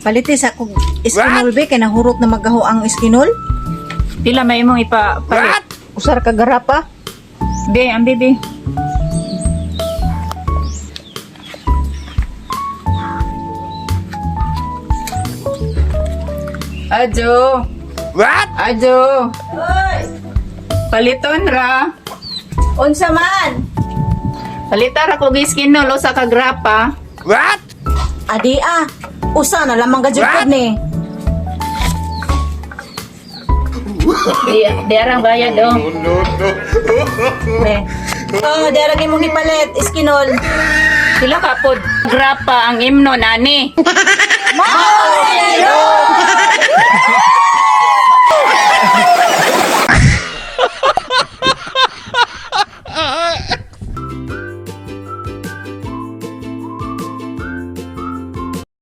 Palitis ako iskinol be kay nahurot na magaho ang iskinol. Pila may imong ipapalit? Usar ka garapa. Be, ang bibi. Ajo. What? Ajo. Oy, Paliton ra. unsa man? Palita ra ko giskinol usa ka grapa. What? Adi usa na lamang gajud ni. Di arang bayad oh. Be. Oh, deragi mo gipalit iskinol. Pila ka pod grapa ang imno nani. Mao!